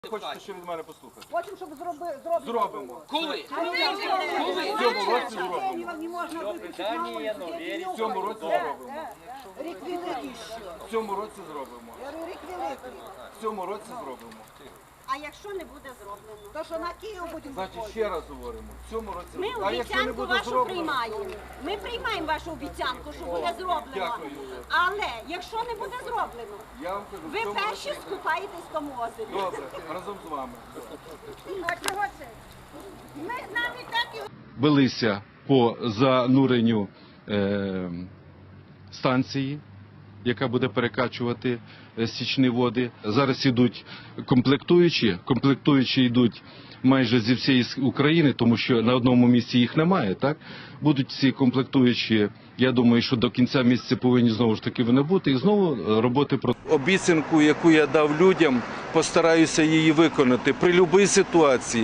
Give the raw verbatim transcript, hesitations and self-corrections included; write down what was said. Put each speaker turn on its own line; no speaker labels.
Хочете ще від мене послухати?
Хочемо, щоб зроби, зробимо.
Зробимо.
Коли?
В цьому році зробимо.
Не можна виключити на вулиці.
В цьому році зробимо.
Рік великий ще.
В цьому році зробимо.
Я говорю, рік великий.
В цьому році зробимо.
А якщо не буде зроблено?
То, що на Київ будемо
Значить, ще раз говоримо. В цьому році
Ми
зробимо. А якщо не
обіцянку
буде
вашу
зроблено?
приймаємо. Ми приймаємо вашу обіцянку, що буде зроблено.
Дякую.
Але якщо не буде зроблено,
Я вам кажу, в
ви
цьому
перші
році.
скупаєтесь в тому озері.
Добре, разом з вами.
А чого це? Ми нам і так і
Велися по зануренню е, станції, яка буде перекачувати е, стічні води. Зараз йдуть комплектуючі, комплектуючі йдуть майже зі всієї України, тому що на одному місці їх немає, так? Будуть ці комплектуючі, я думаю, що до кінця місяця повинні знову ж таки вони бути, і знову роботи про обіцянку, яку я дав людям, постараюся її виконати при будь-якій ситуації.